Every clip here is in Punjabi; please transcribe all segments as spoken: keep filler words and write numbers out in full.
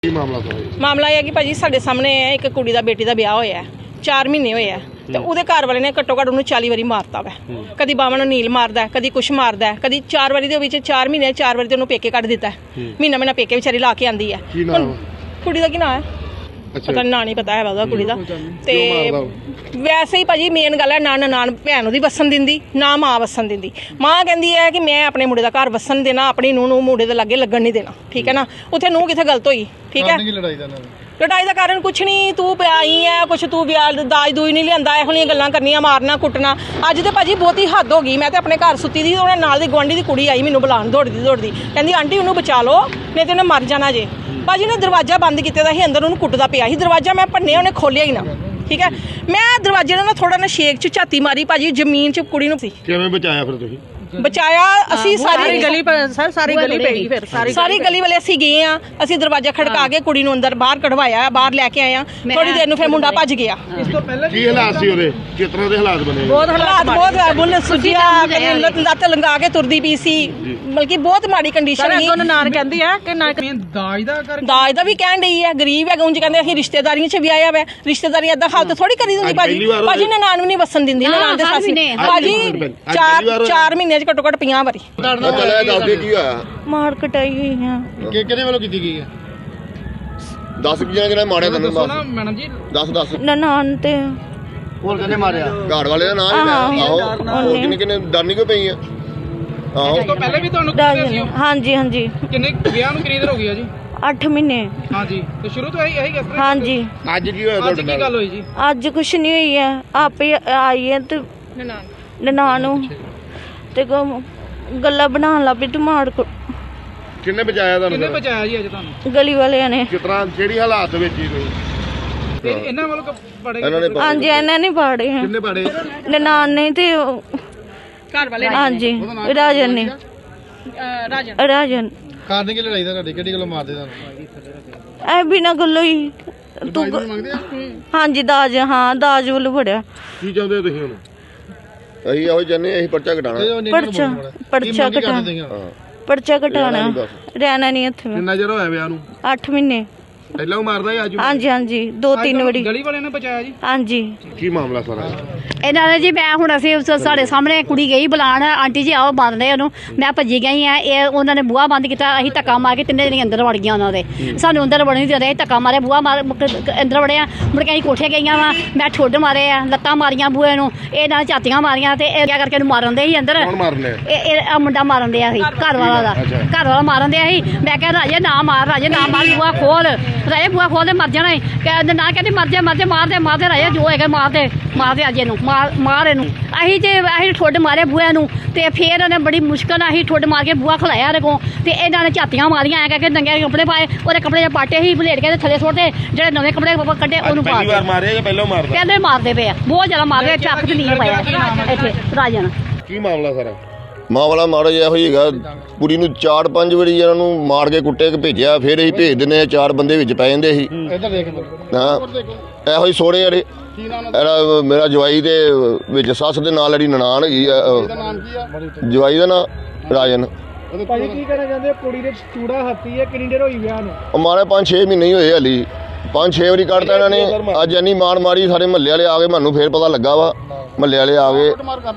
ਮਾਮਲਾ ਮਾਮਲਾ ਇਹ ਹੈ ਕਿ ਭਾਜੀ ਸਾਡੇ ਸਾਹਮਣੇ ਹੈ ਇੱਕ ਕੁੜੀ ਦਾ ਬੇਟੀ ਦਾ ਵਿਆਹ ਹੋਇਆ ਹੈ, ਚਾਰ ਮਹੀਨੇ ਹੋਏ ਆ ਤੇ ਉਹਦੇ ਘਰ ਵਾਲੇ ਨੇ ਘੱਟੋ ਘੱਟ ਉਹਨੂੰ ਚਾਲੀ ਵਾਰੀ ਮਾਰਤਾ ਵਾ। ਕਦੀ ਬਾਵਾਂ ਨੂੰ ਨੀਲ ਮਾਰਦਾ, ਕਦੀ ਕੁਛ ਮਾਰਦਾ, ਕਦੀ ਚਾਰ ਵਾਰੀ ਦੇ ਵਿੱਚ ਚਾਰ ਮਹੀਨੇ ਚਾਰ ਵਾਰੀ ਤੇ ਉਹਨੂੰ ਪੇਕੇ ਕੱਢ ਦਿੱਤਾ। ਮਹੀਨਾ ਮਹੀਨਾ ਪੇਕੇ ਵਿਚਾਰੀ ਲਾ ਕੇ ਆਂਦੀ ਹੈ। ਕੁੜੀ ਦਾ ਕੀ ਨਾਂ ਹੈ ਪਤਾ ਨਾਂ ਨਹੀਂ ਪਤਾ ਹੈ ਉਹਦਾ ਕੁੜੀ ਦਾ। ਤੇ ਵੈਸੇ ਹੀ ਭਾਜੀ ਮੇਨ ਗੱਲ ਹੈ ਨਾ ਨਨਾਣ ਭੈਣ ਉਹਦੀ ਵਸਣ ਦਿੰਦੀ ਨਾ ਮਾਂ ਵਸਣ ਦਿੰਦੀ। ਮਾਂ ਕਹਿੰਦੀ ਹੈ ਕਿ ਮੈਂ ਆਪਣੇ ਮੁੰਡੇ ਦਾ ਘਰ ਵਸਣ ਦੇਣਾ, ਆਪਣੀ ਨੂੰਹ ਨੂੰ ਮੁੰਡੇ ਦੇ ਲਾਗੇ ਲੱਗਣ ਨਹੀਂ ਦੇਣਾ। ਠੀਕ ਹੈ ਨਾ, ਉੱਥੇ ਨੂੰਹ ਕਿੱਥੇ ਗਲਤ ਹੋਈ? ਠੀਕ ਹੈ, ਲੜਾਈ ਦਾ ਕਾਰਨ ਕੁਛ ਨਹੀਂ, ਤੂੰ ਪਿਆਈ ਹੈ ਕੁਛ, ਤੂੰ ਵਿਆਹ ਦਾਜ ਦੂਜ ਨਹੀਂ ਲਿਆਂਦਾ, ਇਹੋ ਜਿਹੀਆਂ ਗੱਲਾਂ ਕਰਨੀਆਂ, ਮਾਰਨਾ ਕੁੱਟਣਾ। ਅੱਜ ਤੇ ਭਾਜੀ ਬਹੁਤੀ ਹੱਦ ਹੋ ਗਈ। ਮੈਂ ਤੇ ਆਪਣੇ ਘਰ ਸੁੱਤੀ ਦੀ, ਉਹਨਾਂ ਨਾਲ ਦੀ ਗੁਆਂਢੀ ਦੀ ਕੁੜੀ ਆਈ ਮੈਨੂੰ ਬੁਲਾਉਣ ਦੌੜਦੀ ਦੌੜਦੀ, ਕਹਿੰਦੀ ਆਂਟੀ ਉਹਨੂੰ ਬਚਾ ਲਓ ਨਹੀਂ ਤੇ ਉਹਨੇ ਮਰ ਜਾਣਾ ਜੇ। ਭਾਜੀ ਨੇ ਦਰਵਾਜ਼ਾ ਬੰਦ ਕੀਤੇ ਦਾ ਸੀ, ਅੰਦਰ ਉਹਨੂੰ ਕੁੱਟਦਾ ਪਿਆ ਸੀ। ਦਰਵਾਜ਼ਾ ਮੈਂ ਭੰਨਿਆ, ਉਹਨੇ ਖੋਲਿਆ ਹੀ ਨਾ। ਠੀਕ ਹੈ, ਮੈਂ ਦਰਵਾਜ਼ੇ ਨਾਲ ਥੋੜਾ ਨਾ ਸ਼ੇਕ ਚ ਝਾਤੀ ਮਾਰੀ ਭਾਜੀ, ਜ਼ਮੀਨ ਚ ਕੁੜੀ ਨੂੰ ਸੀ। ਕਿਵੇਂ ਬਚਾਇਆ ਫਿਰ ਤੁਸੀਂ? ਬਚਾਇਆ ਅਸੀਂ ਸਾਰੀ ਗਲੀ ਸਰ ਸਾਰੀ ਗਲੀ ਪੈ ਗਈ, ਫਿਰ ਸਾਰੀ ਸਾਰੀ ਗਲੀ ਵਾਲੇ ਅਸੀਂ ਗਏ ਆ, ਅਸੀਂ ਦਰਵਾਜ਼ਾ ਖੜਕਾ ਕੇ ਕੁੜੀ ਨੂੰ ਅੰਦਰ ਬਾਹਰ ਕਢਵਾਇਆ, ਬਾਹਰ ਲੈ ਕੇ ਆਏ ਆ। ਥੋੜੀ ਦੇਰ ਨੂੰ ਫਿਰ ਮੁੰਡਾ ਭੱਜ ਗਿਆ। ਇਸ ਤੋਂ ਪਹਿਲਾਂ ਕੀ ਹਾਲਾਤ ਸੀ ਉਹਦੇ? ਕਿਸ ਤਰ੍ਹਾਂ ਦੇ ਹਾਲਾਤ ਬਣੇ? ਬਹੁਤ ਹਾਲਾਤ ਬਹੁਤ ਬੁੱਲ ਸੁਜਿਆ, ਲੱਤ ਲੰਗਾ ਕੇ ਤੁਰਦੀ ਪਈ ਸੀ, ਬਲਕਿ ਬਹੁਤ ਮਾੜੀ ਕੰਡੀਸ਼ਨ ਸੀ। ਉਹਨਾਂ ਨਾਰ ਕਹਿੰਦੀ ਹੈ ਕਿ ਨਾ ਦਾਜ ਦਾ ਕਰ ਦਾਜ ਦਾ ਵੀ ਕਹਿਣ ਡਈ ਹੈ, ਗਰੀਬ ਹੈ ਉਂਝ ਕਹਿੰਦੇ ਅਸੀਂ ਰਿਸ਼ਤੇਦਾਰੀਆਂ ਚ ਵੀ ਆਇਆ ਵਾ। ਰਿਸ਼ਤੇਦਾਰੀ ਏਦਾਂ ਹਾਲਤ ਥੋੜੀ ਕਰੀ ਦਿੰਦੀ ਭਾਜੀ। ਭਾਜੀ ਨੇ ਨਾਨ ਵੀ ਨਹੀਂ ਵਸਣ ਦਿੰਦੀ, ਨਾਨ ਦੇ ਸੱਸ ਭਾਜੀ ਚਾਰ ਚਾਰ ਮਹੀਨੇ ਚ ਘੱਟੋ ਘੱਟ ਪੰਜਾਹ ਵਾਰੀ ਮਾਰ ਕਟਾਈ ਹੋਈ ਆ। ਕਿਹਦੇ ਵੱਲੋਂ ਕੀਤੀ ਗਈ ਹੈ? ਦਸ ਜਣੇ ਜਿਹੜੇ ਮਾਰਿਆ ਤੈਨੂੰ ਮੈਡਮ ਜੀ? ਦਸ ਦਸ ਨਨਾਣ ਤੇ ਹੋਰ ਕਿਹਨੇ ਮਾਰਿਆ? ਘਾੜ ਵਾਲੇ ਦਾ ਨਾਮ ਹੀ ਆਹੋ, ਕਿੰਨੇ ਕਿੰਨੇ ਡਰਨੀ ਕਿਉਂ ਪਈ ਆ? ਆਹੋ, ਇਸ ਤੋਂ ਪਹਿਲੇ ਵੀ ਤੁਹਾਨੂੰ ਹਾਂਜੀ ਹਾਂਜੀ ਕਿੰਨੇ ਵਿਆਹ ਨੂੰ ਕਿੰਨੀ ਦੇਰ ਹੋ ਗਈ ਆ ਜੀ? ਅੱਠ ਮਹੀਨੇ। ਹਾਂਜੀ, ਤੇ ਸ਼ੁਰੂ ਤੋਂ ਇਹੀ ਇਹੀ ਕਿਸ ਤਰ੍ਹਾਂ? ਹਾਂਜੀ। ਅੱਜ ਕੀ ਹੋਇਆ ਅੱਜ ਤੁਹਾਡੇ ਕੀ ਨਾਲ? ਗੱਲ ਹੋਈ ਜੀ? ਅੱਜ ਕੁਛ ਨਹੀਂ ਹੋਈ ਹੈ, ਆਪੇ ਆਈ ਹੈ ਤੇ ਨਨਾਣ ਨੂੰ ਤੇ ਗੱਲਾਂ ਬਣਾਉਣ ਲੱਗ ਪਈ ਤੇ ਮਾਰ ਕੋ। ਕਿੰਨੇ ਬਚਾਇਆ ਕਿੰਨੇ ਤੁਹਾਨੂੰ? ਬਚਾਇਆ ਜੀ ਅੱਜ ਤੁਹਾਨੂੰ? ਗਲੀ ਵਾਲਿਆਂ ਨੇ। ਕਿਸ ਤਰ੍ਹਾਂ ਜਿਹੜੀ ਹਾਲਾਤ ਵਿੱਚ ਹੀ ਤੁਸੀਂ? ਤੇ ਇਹਨਾਂ ਵੱਲੋਂ ਪੜੇ ਹਾਂਜੀ ਇਹਨਾਂ ਨੇ ਪਾੜੇ ਹੈ, ਕਿੰਨੇ ਪਾੜੇ? ਨਨਾਣ ਨੇ ਤੇ ਘਰ ਵਾਲੇ ਹਾਂਜੀ ਰਾਜਨ ਨੇ। ਰਾਜਨ ਰਾਜਨ ਕਾਰਨ ਕੀ ਲੜਾਈ ਦਾ ਤੁਹਾਡੀ? ਕਿਹੜੀ ਗੱਲੋਂ ਮਾਰਦੇ ਤੁਹਾਨੂੰ? ਐ ਬਿਨਾਂ ਗੱਲੋਂ ਹੀ ਤੂੰ ਮੰਗਦੇ ਆ? ਹਾਂਜੀ ਦਾਜ, ਹਾਂ ਦਾਜ ਵੱਲੋਂ ਫੜਿਆ। ਕੀ ਚਾਹੁੰਦੇ ਹੋ ਤੁਸੀਂ ਹੁਣ? ਅਸੀਂ ਇਹੋ ਚਾਹੁੰਦੇ ਅਸੀਂ ਪਰਚਾ ਘਟਾਣਾ। ਪਰਚਾ ਪਰਚਾ ਘਟਾਣਾ, ਪਰਚਾ ਘਟਾਣਾ, ਰਹਿਣਾ ਨਹੀਂ ਇੱਥੇ। ਕਿੰਨਾ ਚਿਰ ਹੋਇਆ ਵਿਆਹ ਨੂੰ? ਅੱਠ ਮਹੀਨੇ। ਪਹਿਲਾਂ ਉਹ ਮਾਰਦਾ ਸੀ ਅੱਜ? ਹਾਂਜੀ ਹਾਂਜੀ ਦੋ ਤਿੰਨ ਵਾਰੀ। ਗਲੀ ਵਾਲਿਆਂ ਨੇ ਬਚਾਇਆ ਜੀ? ਹਾਂਜੀ। ਕੀ ਮਾਮਲਾ ਸਾਰਾ? ਇਹਨਾਂ ਨੇ ਜੀ ਮੈਂ ਹੁਣ ਅਸੀਂ ਸਾਡੇ ਸਾਹਮਣੇ ਕੁੜੀ ਗਈ ਬੁਲਾਣ, ਆਂਟੀ ਜੀ ਆਓ ਬੰਦ ਰਹੇ ਉਹਨੂੰ। ਮੈਂ ਭੱਜੀ ਗਈ ਆ, ਇਹ ਉਹਨਾਂ ਨੇ ਬੂਹਾ ਬੰਦ ਕੀਤਾ, ਅਸੀਂ ਧੱਕਾ ਮਾਰ ਕੇ ਤਿੰਨੇ ਜਣੇ ਅੰਦਰ ਵੜ ਗਈਆਂ ਉਹਨਾਂ ਦੇ। ਸਾਨੂੰ ਅੰਦਰ ਵੜਨ ਨਹੀਂ ਦੇ ਰਹੇ, ਧੱਕਾ ਮਾਰੇ ਬੂਹਾ ਮਾਰ ਅੰਦਰ ਵੜਿਆ। ਮੁੜ ਕੇ ਅਸੀਂ ਕੋਠੇ ਗਈਆਂ ਵਾ, ਮੈਂ ਠੁੱਡ ਮਾਰੇ ਆ, ਲੱਤਾਂ ਮਾਰੀਆਂ ਬੂਹੇ ਨੂੰ, ਇਹ ਨਾਲ ਝਾਤੀਆਂ ਮਾਰੀਆਂ ਤੇ ਇਹ ਕਿਆ ਕਰਕੇ ਇਹਨੂੰ ਮਾਰਨ ਦੇ ਸੀ ਅੰਦਰ। ਕੌਣ ਮਾਰ ਲਿਆ? ਇਹ ਇਹ ਮੁੰਡਾ ਮਾਰਨ ਦਿਆ ਸੀ, ਘਰ ਵਾਲਾ ਦਾ, ਘਰ ਵਾਲਾ ਮਾਰਨ ਦਿਆ ਸੀ। ਮੈਂ ਕਿਹਾ ਰਾਜੇ ਨਾ ਮਾਰ, ਰਾਜੇ ਨਾ ਮਾਰ, ਬੂਹਾ ਖੋਲ ਰਾਜੇ, ਬੂਹਾ ਖੋਲ ਦੇ, ਮਰ ਜਾਣਾ। ਕਹਿੰਦੇ ਨਾ, ਕਹਿੰਦੀ ਮਰ ਜਾ ਮਰ ਜਾ, ਮਾਰ ਦੇ ਮਾਰ ਦੇ ਰਾਜੇ, ਜੋ ਹੈਗਾ ਮਾਰ ਦੇ ਮਾਰ ਦੇ ਅਜੇ ਨੂੰ, ਮਾਰ ਮਾਰ ਇਹਨੂੰ। ਅਸੀਂ ਜੇ ਅਸੀਂ ਠੁੱਡ ਮਾਰੇ ਬੂਹੇ ਨੂੰ ਤੇ ਫਿਰ ਉਹਨੇ ਬੜੀ ਮੁਸ਼ਕਲ ਨਾਲ ਅਸੀਂ ਠੁੱਡ ਮਾਰ ਕੇ ਬੂਹਾ ਖਲਾਇਆ ਇਹਦੇ ਕੋਲ। ਤੇ ਇਹਨਾਂ ਨੇ ਝਾਤੀਆਂ ਮਾਰੀਆਂ ਐ ਕਰਕੇ, ਨੰਗੇ ਕੱਪੜੇ ਪਾਏ, ਉਹਦੇ ਕੱਪੜੇ ਪਾਟੇ ਸੀ ਬਲੇਡ ਕੇ ਥੱਲੇ ਸੁੱਟਦੇ, ਜਿਹੜੇ ਨਵੇਂ ਕੱਪੜੇ ਕੱਢੇ ਉਹਨੂੰ ਪਾ ਪਹਿਲੀ ਵਾਰ ਮਾਰਿਆ ਜਾਂ ਪਹਿਲਾਂ ਮਾਰਦਾ? ਪਹਿਲੇ ਮਾਰਦੇ ਪਏ ਆ, ਬਹੁਤ ਜ਼ਿਆਦਾ ਮਾਰਦੇ, ਚੱਕ ਤੇ ਨਹੀਂ ਪਾਇਆ ਇੱਥੇ ਰਾਜਨ। ਕੀ ਮਾਮਲਾ ਸਾਰਾ? ਮਾਂ ਵਾਲਾ ਮਾੜਾ ਜਿਹਾ ਇਹੋ ਹੀ ਹੈਗਾ, ਕੁੜੀ ਨੂੰ ਚਾਰ ਪੰਜ ਵਾਰੀ ਇਹਨਾਂ ਨੂੰ ਮਾਰ ਕੇ ਕੁੱਟੇ ਕੇ ਭੇਜਿਆ, ਫਿਰ ਅਸੀਂ ਭੇਜ ਦਿੰਦੇ ਹਾਂ, ਚਾਰ ਬੰਦੇ ਵਿੱਚ ਪੈ ਜਾਂਦੇ ਸੀ। ਇੱਧਰ ਦੇਖ ਹਾਂ ਇਹੋ ਹੀ ਸੋਹਣੇ ਜਿਹੜੇ ਇਹਦਾ ਮੇਰਾ ਜਵਾਈ ਦੇ ਵਿੱਚ ਸੱਸ ਦੇ ਨਾਲ ਜਿਹੜੀ ਨਨਾਣ ਹੈਗੀ ਆ, ਜਵਾਈ ਦਾ ਨਾਂ ਰਾਜਨ। ਭਾਜੀ ਕੀ ਕਹਿਣਾ ਚਾਹੁੰਦੇ? ਕੁੜੀ ਦੇ ਚੂੜਾ ਹੱਤੀ ਹੈ, ਕਿੰਨੀ ਦੇਰ ਹੋਈ ਵਿਆਹ ਨੂੰ? ਮਾਰੇ ਪੰਜ ਛੇ ਮਹੀਨੇ ਹੀ ਹੋਏ ਹਾਲੀ, ਪੰਜ ਛੇ ਵਾਰੀ ਕੱਢਤਾ ਇਹਨਾਂ ਨੇ। ਅੱਜ ਇੰਨੀ ਮਾਰ ਮਾਰੀ, ਸਾਰੇ ਮਹੱਲੇ ਵਾਲੇ ਆ ਗਏ, ਮੈਨੂੰ ਫਿਰ ਪਤਾ ਲੱਗਾ ਵਾ, ਮਹੱਲੇ ਵਾਲੇ ਆ ਗਏ।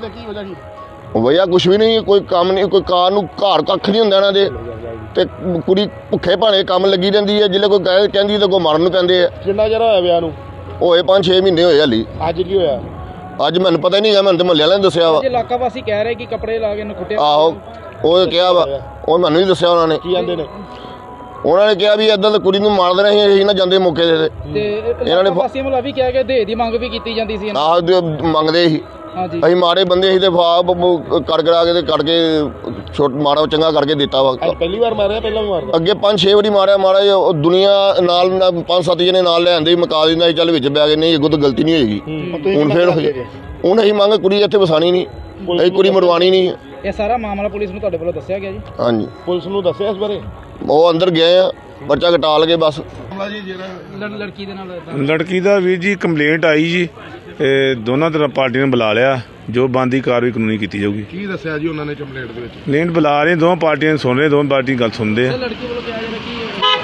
ਵਜ੍ਹਾ ਕੁਛ ਵੀ ਨਹੀਂ, ਕੋਈ ਕੰਮ ਨਹੀਂ, ਕੋਈ ਕਾਰ ਨੂੰ ਘਰ ਕੱਖ ਨਹੀਂ ਹੁੰਦਾ ਇਹਨਾਂ ਦੇ। ਤੇ ਕੁੜੀ ਭੁੱਖੇ ਭਾਣੇ ਕੰਮ ਲੱਗੀ ਰਹਿੰਦੀ ਹੈ, ਜਿੱਲੇ ਕੋਈ ਕਹਿ ਕਹਿੰਦੀ ਤਾਂ ਕੋਈ ਮਰਨ ਨੂੰ ਪੈਂਦੇ ਆ। ਕਿੰਨਾ ਚਿਰ ਹੋਇਆ ਵਿਆਹ ਨੂੰ? ਹੋਏ ਪੰਜ ਛੇ ਮਹੀਨੇ ਹੋਏ ਹਾਲੀ। ਅੱਜ ਕੀ ਹੋਇਆ? ਅੱਜ ਮੈਨੂੰ ਪਤਾ ਹੀ ਨਹੀਂ ਹੈ, ਮੈਨੂੰ ਤਾਂ ਮਹੱਲੇ ਵਾਲਿਆਂ ਨੇ ਦੱਸਿਆ ਵਾ। ਇਲਾਕਾ ਵਾਸੀ ਕਹਿ ਰਹੇ ਕਿ ਕੱਪੜੇ ਲਾ ਕੇ ਇਹਨੂੰ ਕੁੱਟਿਆ। ਆਹੋ ਉਹ ਕਿਹਾ ਵਾ, ਉਹ ਮੈਨੂੰ ਨਹੀਂ ਦੱਸਿਆ ਉਹਨਾਂ ਨੇ। ਕੀ ਆਂਦੇ ਨੇ? ਉਹਨਾਂ ਨੇ ਕਿਹਾ ਵੀ ਏਦਾਂ ਤਾਂ ਕੁੜੀ ਨੂੰ ਮਾਰ ਦੇਣਾ ਸੀ, ਅਸੀਂ ਨਾ ਜਾਂਦੇ ਮੌਕੇ ਦੇ। ਤੇ ਇਹਨਾਂ ਨੇ ਵਾਸੀਆਂ ਵੱਲੋਂ ਵੀ ਕਿਹਾ ਕਿ ਦੇ ਦੀ ਮੰਗ ਵੀ ਕੀਤੀ ਜਾਂਦੀ ਸੀ। ਆਹ ਮੰਗਦੇ ਸੀ, ਹਾਂਜੀ ਅਸੀਂ ਮਾਰੇ ਬੰਦੇ ਸੀ ਤੇ ਫਾਬ ਕਰ ਕਰਾ ਕੇ ਤੇ ਕੱਢ ਕੇ ਛੋਟ ਮਾਰਾ ਚੰਗਾ ਕਰਕੇ ਦਿੱਤਾ ਵਾ। ਅੱਜ ਪਹਿਲੀ ਵਾਰ ਮਾਰਿਆ ਪਹਿਲਾਂ ਵੀ ਮਾਰਦਾ? ਅੱਗੇ ਪੰਜ ਛੇ ਵਾਰੀ ਮਾਰਿਆ ਮਾਰਾ, ਉਹ ਦੁਨੀਆ ਨਾਲ ਪੰਜ ਸੱਤ ਜਣੇ ਨਾਲ ਲੈ ਆਂਦੇ ਮਕਾ ਦਿੰਦਾ ਸੀ, ਚੱਲ ਵਿੱਚ ਬੈ ਗਏ, ਨਹੀਂ ਅੱਗੋਂ ਤਾਂ ਗਲਤੀ ਨਹੀਂ ਹੋਏਗੀ। ਹੁਣ ਫਿਰ ਹੁਣ ਅਸੀਂ ਮੰਗ ਕੁੜੀ ਇੱਥੇ ਵਸਾਣੀ ਨਹੀਂ, ਅਸੀਂ ਕੁੜੀ ਮਰਵਾਣੀ ਨਹੀਂ। ਇਹ ਸਾਰਾ ਮਾਮਲਾ ਪੁਲਿਸ ਨੂੰ ਤੁਹਾਡੇ ਵੱਲੋਂ ਦੱਸਿਆ ਗਿਆ ਜੀ? ਹਾਂਜੀ ਪੁਲਿਸ ਨੂੰ ਦੱਸਿਆ ਇਸ ਬਾਰੇ? ਉਹ ਅੰਦਰ ਗਏ ਆ, ਪਰਚਾ ਕਟਾ ਲਗੇ ਬਸ। ਲੜਕੀ ਦੇ ਨਾਲ ਲੜਕੀ ਦਾ ਵੀਰ ਜੀ ਕੰਪਲੇਂਟ ਆਈ ਜੀ, ਇਹ ਦੋਨਾਂ ਤਰ੍ਹਾਂ ਪਾਰਟੀਆਂ ਨੇ ਬੁਲਾ ਲਿਆ, ਜੋ ਬਣਦੀ ਕਾਰਵਾਈ ਕਾਨੂੰਨੀ ਕੀਤੀ ਜਾਊਗੀ। ਕੀ ਦੱਸਿਆ ਜੀ ਉਹਨਾਂ ਨੇ ਕੰਪਲੇਂਟ ਦੇ ਵਿੱਚ? ਕੰਪਲੇਂਟ ਬੁਲਾ ਰਹੇ, ਦੋਵਾਂ ਪਾਰਟੀਆਂ ਸੁਣ ਰਹੇ, ਦੋਵਾਂ ਪਾਰਟੀ ਗੱਲ ਸੁਣਦੇ ਆ। ਲੜਕੀ ਵੱਲੋਂ ਕਿਹਾ ਜਾ ਰਿਹਾ ਕਿ ਲਾ ਕੇ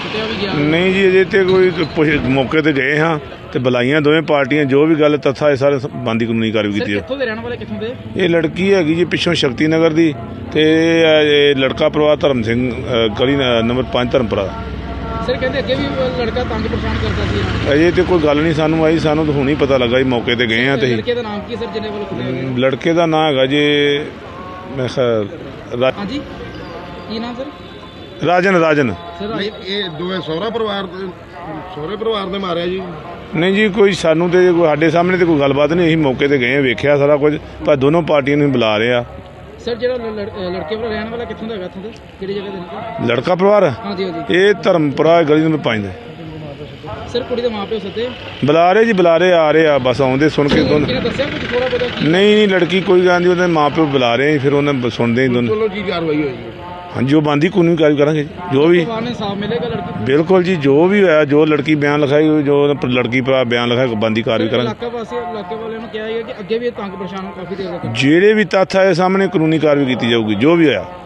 ਕੁੱਟਿਆ ਵੀ ਗਿਆ। ਨਹੀਂ ਜੀ ਅਜੇ ਤੇ ਕੋਈ ਪੁੱਛ- ਮੌਕੇ ਤੇ ਗਏ ਹਾਂ ਤੇ ਬੁਲਾਈਆਂ ਦੋਵੇਂ ਪਾਰਟੀਆਂ ਜੋ ਵੀ ਗੱਲ ਤੱਥਾ ਇਹ ਸਾਰੇ ਬੰਦੀ ਕਾਨੂੰਨੀ ਕਾਰਵਾਈ ਸਰ ਕੀਤੀ ਹੈ। ਕਿੱਥੋਂ ਦੇ ਰਹਿਣ ਵਾਲੇ ਕਿੱਥੋਂ ਦੇ? ਇਹ ਲੜਕੀ ਹੈਗੀ ਜੀ ਪਿੱਛੋਂ ਸ਼ਕਤੀ ਨਗਰ ਦੀ ਤੇ ਇਹ ਲੜਕਾ ਪਰਿਵਾਰ ਧਰਮ ਸਿੰਘ ਅ, ਗਲੀ ਨ- ਨੰਬਰ ਪੰਜ ਧਰਮਪੁਰਾ। ਸਰ ਕਹਿੰਦੇ ਅੱਗੇ ਵੀ ਲੜਕਾ ਤੰਗ ਪਰੇਸ਼ਾਨ ਕਰਦਾ ਸੀ ਇਹਨਾਂ ਨੂੰ। ਅਜੇ ਤੇ ਕੋਈ ਗੱਲ ਨਹੀਂ ਸਾਨੂੰ ਆਈ, ਸਾਨੂੰ ਤਾਂ ਹੁਣ ਹੀ ਪਤਾ ਲੱਗਾ ਜੀ ਮੌਕੇ ਤੇ ਗਏ ਹਾਂ ਤੇ ਲੜਕੇ ਦਾ ਨਾਮ ਕੀ ਸਰ ਜਿਹਨੇ ਵੱਲੋਂ ਕੁੱਟਿਆ ਗਿਆ? ਲੜਕੇ ਦਾ ਨਾਂ ਹੈਗਾ ਜੀ ਮੈਂ ਖਿਆਲ ਰਾ- ਹਾਂਜੀ ਕੀ ਨਾਮ ਸਰ? ਰਾਜਨ ਰਾਜਨ ਸਰ ਨਹੀਂ ਇਹ ਦੋਵੇਂ ਸਹੁਰਾ ਪਰਿਵਾਰ ਦੇ ਸਹੁਰੇ ਪਰਿਵਾਰ ਨੇ ਮਾਰਿਆ ਜੀ। ਨਹੀਂ ਜੀ ਕੋਈ ਸਾਨੂੰ ਤੇ ਕੋਈ ਸਾਡੇ ਸਾਹਮਣੇ ਤੇ ਕੋਈ ਗੱਲਬਾਤ ਨਹੀਂ, ਅਸੀਂ ਮੌਕੇ ਤੇ ਗਏ ਹਾਂ, ਵੇਖਿਆ ਸਾਰਾ ਕੁਝ, ਪਰ ਦੋਨੋਂ ਪਾਰਟੀਆਂ ਨੂੰ ਬੁਲਾ ਰਹੇ ਆ। ਸਰ ਜਿਹੜਾ ਲੜ- ਲੜ- ਲੜਕੇ ਵੱਲੋਂ ਰਹਿਣ ਵਾਲਾ ਕਿੱਥੋਂ ਦਾ ਹੈਗਾ ਇੱਥੋਂ ਦਾ? ਕਿਹੜੀ ਜਗ੍ਹਾ ਦੇ ਨਾਲ? ਲੜਕਾ ਪਰਿਵਾਰ ਹਾਂਜੀ ਹਾਂਜੀ। ਇਹ ਧਰਮਪੁਰਾ ਗਲੀ ਨੰਬਰ ਪੰਜ ਦੇ ਸਰ ਕੁੜੀ ਦੇ ਮਾਪਿਓ ਸੱਦੇ ਬੁਲਾ ਰਹੇ ਜੀ, ਬੁਲਾ ਰਹੇ ਆ ਰਹੇ ਆ ਬਸ ਆਉਂਦੇ ਸੁਣ ਕੇ ਦੋਨ ਕਿਹਨੇ ਦੱਸਿਆ ਕੁਝ ਥੋੜਾ ਬਹੁਤਾ ਕੀ? ਨਹੀਂ ਨਹੀਂ ਲੜਕੀ ਕੋਈ ਗੱਲ ਨਹੀਂ, ਉਹਦੇ ਮਾਪਿਓ ਬੁਲਾ ਰਹੇ ਆ, ਫਿਰ ਉਹਨਾਂ ਬ- ਸੁਣਦੇ ਹੀ ਦੋਨੋਂ। ਚਲੋ ਕੀ ਕਾਰਵਾਈ ਹੋਈ ਜੀ? ਹਾਂਜੀ ਉਹ ਬੰਦੀ ਕਾਨੂੰਨੀ ਕਾਰਵਾਈ ਕਰਾਂਗੇ ਜੀ, ਜੋ ਵੀ ਪਰਿਵਾਰ ਨੇ ਇਨਸਾਫ ਮਿਲੇਗਾ ਲੜਕੀ ਨੂੰ? ਬਿਲਕੁਲ ਜੀ, ਜੋ ਵੀ ਹੋਇਆ, ਜੋ ਲੜਕੀ ਬਿਆਨ ਲਿਖਾਈ, ਜੋ ਲੜਕੀ ਭਰਾ ਬਿਆਨ ਲਿਖਾਇਆ, ਬੰਦੀ ਕਾਰਵਾਈ ਕਰਾਂਗੇ। ਇਲਾਕਾ ਵਾਸੀ ਇਲਾਕੇ ਵਾਲਿਆਂ ਨੂੰ ਕਿਹਾ ਹੈ ਕਿ ਅੱਗੇ ਵੀ ਇਹ ਤੰਗ ਪਰੇਸ਼ਾਨ ਕਾਫੀ ਦੇਰ ਤੱਕ ਜਿਹੜੇ ਵੀ ਤੱਥ ਆਏ ਸਾਹਮਣੇ ਕਾਨੂੰਨੀ ਕਾਰਵਾਈ ਕੀਤੀ ਜਾਊਗੀ, ਜੋ ਵੀ ਹੋਇਆ।